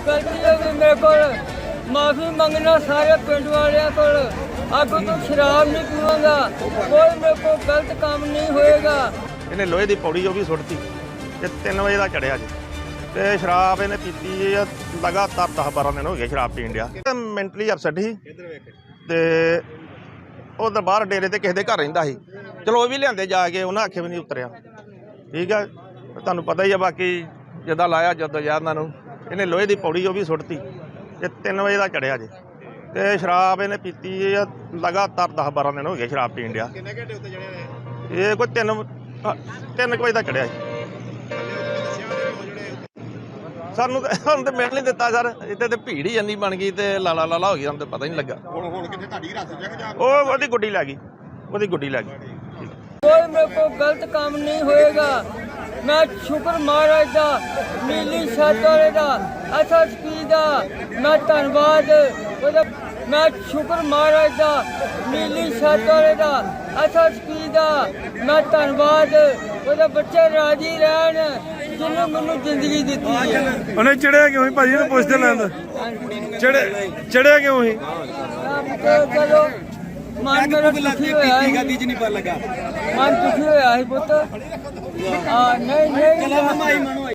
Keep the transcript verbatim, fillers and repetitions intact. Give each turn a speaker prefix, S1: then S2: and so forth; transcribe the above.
S1: गलती हो गई मेरे को माफी मंगना सारे पिंड वाले को अब तो शराब नहीं पीऊंगा कोई मेरे को गलत काम नहीं होएगा।
S2: ਇਹਨੇ ਲੋਹੇ ਦੀ ਪੌੜੀ ਉਹ ਵੀ ਸੁੱਟਤੀ ਤੇ ਤਿੰਨ ਵਜੇ ਦਾ ਚੜਿਆ ਜੀ ਤੇ ਸ਼ਰਾਬ ਇਹਨੇ ਪੀਤੀ ਆ ਲਗਾਤਾਰ ਦਸ ਬਾਰਾਂ ਦਿਨ ਹੋ ਗਏ ਸ਼ਰਾਬ ਪੀਣ ਡਿਆ ਮੈਂਟਲੀ ਅਪਸੈਟ ਸੀ ਤੇ ਉਹ ਦਰਬਾਰ ਡੇਰੇ ਤੇ ਕਿਸੇ ਦੇ ਘਰ ਰਹਿੰਦਾ ਸੀ। ਚਲੋ ਉਹ ਵੀ ਲਿਆਂਦੇ ਜਾ ਕੇ ਉਹਨਾਂ ਆਖੇ ਵੀ ਨਹੀਂ ਉਤਰਿਆ। ਠੀਕ ਆ ਤੁਹਾਨੂੰ ਪਤਾ ਹੀ ਆ ਬਾਕੀ ਜਿੱਦਾਂ ਲਾਇਆ ਜਦੋਂ ਯਾਰਾਂ ਨੂੰ ਇਹਨੇ ਲੋਹੇ ਦੀ ਪੌੜੀ ਉਹ ਵੀ ਸੁੱਟਤੀ ਤੇ ਤਿੰਨ ਵਜੇ ਦਾ ਚੜਿਆ ਜੀ ਤੇ ਸ਼ਰਾਬ ਇਹਨੇ ਪੀਤੀ ਆ ਲਗਾਤਾਰ ਦਸ ਬਾਰਾਂ ਦਿਨ ਹੋ ਗਏ ਸ਼ਰਾਬ ਪੀਣ ਡਿਆ।
S3: ਕਿੰਨੇ ਘੰਟੇ ਉੱਤੇ ਚੜਿਆ ਹੋਇਆ?
S2: ਇਹ ਕੋਈ ਤਿੰਨ ਤਿੰਨ ਕੁ ਵਜੇ ਦਾ ਚੜਿਆ ਜੀ। ਸਾਨੂੰ ਤਾਂ ਸਾਨੂੰ ਤਾਂ ਮਿਲ ਨਹੀਂ ਦਿੱਤਾ ਸਰ ਇੱਥੇ ਤੇ ਭੀੜ ਹੀ ਇੰਨੀ ਬਣ ਗਈ ਤੇ ਲਾਲਾ ਲਾਲਾ ਹੋ ਗਈ ਸਾਨੂੰ ਤਾਂ ਪਤਾ ਹੀ ਨਹੀਂ ਲੱਗਾ।
S3: ਹੁਣ ਹੁਣ ਕਿੱਥੇ ਤੁਹਾਡੀ ਰਾਤ ਜਾ ਕੇ ਜਾ
S2: ਉਹ ਉਹਦੀ ਗੁੱਡੀ ਲੱਗ ਗਈ ਉਹਦੀ ਗੁੱਡੀ ਲੱਗ ਗਈ।
S1: कोई मेरे को गलत काम नहीं होएगा। मैं शुक्र महाराज दा नीली छत वाले दा अच्छा दा मैं धन्नवाद ओहदा मैं शुक्र महाराज दा नीली छत वाले दा अच्छा दा मैं धन्नवाद ओहदा बच्चे राजी रहन जिन्होंने मैनू जिंदगी दी है।
S4: ਉਹਨੇ ਚੜਿਆ ਕਿਉਂ ਸੀ ਭਾਜੀ ਨੂੰ ਪੁੱਛਦੇ ਲੈਂਦਾ ਚੜੇ ਚੜਿਆ ਕਿਉਂ ਸੀ
S1: चलो मन मेरा दुखी होया मन दुखी होया पुत नहीं नहीं